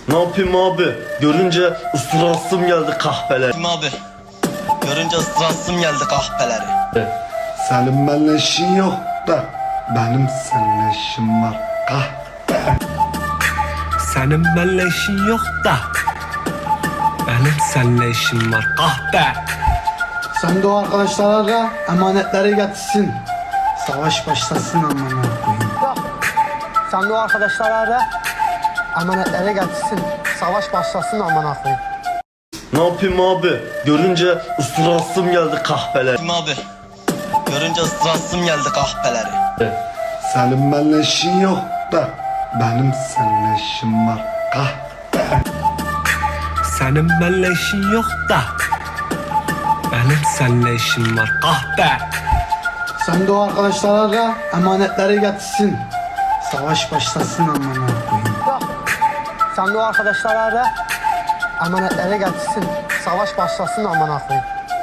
Ne yapayım abi? Görünce ısırasım geldi kahpeler. Kim abi? Görünce ıstırasım geldi kahpeleri. Senin benimle işin yok da benim seninle işim var kahpe. Senin benimle işin yok da benim seninle işim var kahpe. Sen de o arkadaşlara da emanetleri getirsin. Savaş başlasın amına koyayım. Sen de o arkadaşlara da emanetleri getirsin. Savaş başlasın amına koyayım. Ne yapayım abi? Görünce ısırasım geldi kahpeler. Kim abi? Görünce ıstırasım geldi kahpeleri. Senin benimle işin yok da benim seninle işim var kahpe. Senin benimle işin yok da benim seninle işim var kahpe. Sen de o arkadaşlara da emanetleri getirsin. Savaş başlasın amına koyayım. Sen de o arkadaşlara da emanetleri getirsin. Savaş başlasın amına koyayım.